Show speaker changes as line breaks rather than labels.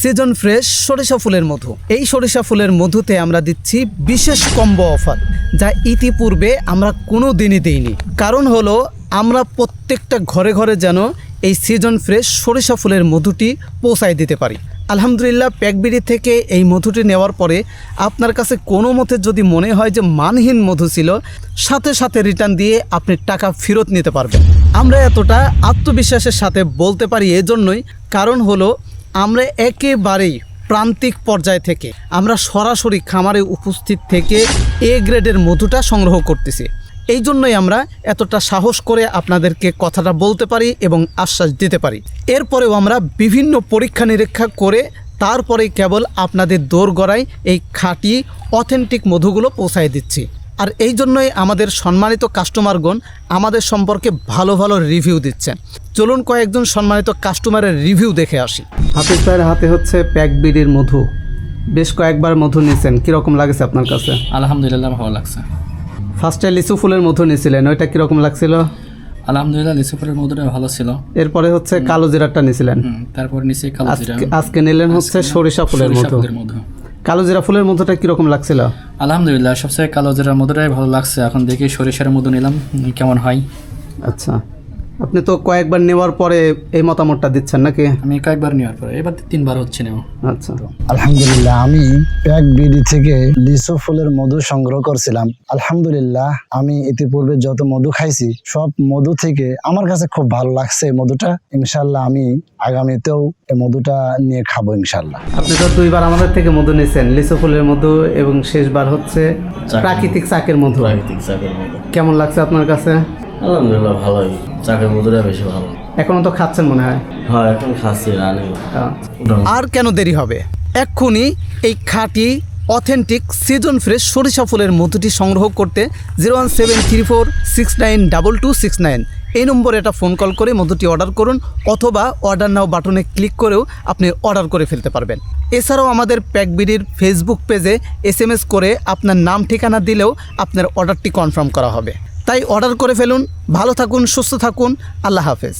Season fresh সরিষা ফুলের মধু। এই সরিষা ফুলের মধুতে আমরা দিচ্ছি বিশেষ কম্বো অফার, যা ইতিপূর্বে আমরা কোনো দিনই দিইনি। কারণ হলো আমরা প্রত্যেকটা ঘরে ঘরে যেন এই সিজন ফ্রেশ সরিষা ফুলের মধুটি পৌঁছায় দিতে পারি। আলহামদুলিল্লাহ, প্যাকবিডি থেকে এই মধুটি নেওয়ার পরে আপনার কাছে কোনো মতে যদি মনে হয় যে মানহীন মধু ছিল, সাথে সাথে রিটার্ন দিয়ে আপনি টাকা ফেরত নিতে পারবেন। আমরা এতটা আত্মবিশ্বাসের সাথে বলতে পারি এজন্যই, কারণ হলো আমরা একেবারেই প্রান্তিক পর্যায় থেকে আমরা সরাসরি খামারে উপস্থিত থেকে এ গ্রেডের মধুটা সংগ্রহ করতেছি। এই জন্যই আমরা এতটা সাহস করে আপনাদেরকে কথাটা বলতে পারি এবং আশ্বাস দিতে পারি। এরপরেও আমরা বিভিন্ন পরীক্ষা নিরীক্ষা করে তারপরেই কেবল আপনাদের দোরগোড়ায় এই খাঁটি অথেন্টিক মধুগুলো পৌঁছায় দিচ্ছি। আর এই জন্যই আমাদের সম্মানিত কাস্টমারগণ আমাদের সম্পর্কে ভালো ভালো রিভিউ দিচ্ছেন। চলুন কয়েকজন সম্মানিত কাস্টমারের রিভিউ দেখে আসি। হাফিজ ভাইয়ের হাতে হচ্ছে প্যাকবিডির মধু, বেশ কয়েকবার মধু নিয়েছেন, কীরকম লাগছে আপনার কাছে?
আলহামদুলিল্লাহ ভালো লাগছে।
ফার্স্টে লিচু ফুলের মধু নিয়েছিলেন, ওইটা কীরকম লাগছিল?
আলহামদুলিল্লাহ লিচু ফুলের মধুটা ভালো ছিল।
এরপরে হচ্ছে কালো জিরাটা নিয়েছিলেন,
তারপর নিচে কালো জিরা।
আজকে নিলেন হচ্ছে সরিষা ফুলের মধু। কালো জিরা ফুলের মধুটা কীরকম লাগছিল?
আলহামদুলিল্লাহ সবচেয়ে কালো জিরার মধুটাই ভালো লাগছে। এখন দেখি সরিষার মধু নিলাম কেমন হয়।
আচ্ছা, আপনি তো কয়েকবার নেওয়ার পরে এই মতামতটা দিচ্ছেন নাকি?
আমি কয়েকবার নেওয়ার পরে এবার 3বার হচ্ছে নেওয়া।
আচ্ছা,
আলহামদুলিল্লাহ আমি প্যাকবিডি থেকে লিচু ফুলের মধু সংগ্রহ করছিলাম। আলহামদুলিল্লাহ আমি ইতিপূর্বে যত মধু খাইছি সব মধু থেকে আমার কাছে খুব ভালো লাগছে এই মধুটা। ইনশাল্লাহ আমি আগামীতেও এই মধুটা নিয়ে খাবো ইনশাল্লাহ।
আপনি তো 2বার আমাদের থেকে মধু নিয়েছেন, লিচু ফুলের মধু এবং শেষবার হচ্ছে প্রাকৃতিক চাকের মধু। কেমন লাগছে আপনার কাছে?
আলহামদুলিল্লাহ ভালোই, চাকের মধুটা বেশি ভালো।
এখনো তো খাচ্ছেন মনে হয়?
হ্যাঁ এখন খাচ্ছি রানি।
আর কেন দেরি হবে, এক্ষুনি এই খাঁটি অথেন্টিক সিজন ফ্রেশ সরিষা ফুলের মধুটি সংগ্রহ করতে 01734692269 এই নম্বরে এটা ফোন কল করে মধুটি অর্ডার করুন, অথবা অর্ডার নাও বাটনে ক্লিক করেও আপনি অর্ডার করে ফেলতে পারবেন। এছাড়াও আমাদের প্যাকবিডির ফেসবুক পেজে SMS করে আপনার নাম ঠিকানা দিলেও আপনার অর্ডারটি কনফার্ম করা হবে। তাই অর্ডার করে ফেলুন। ভালো থাকুন, সুস্থ থাকুন, আল্লাহ হাফেজ।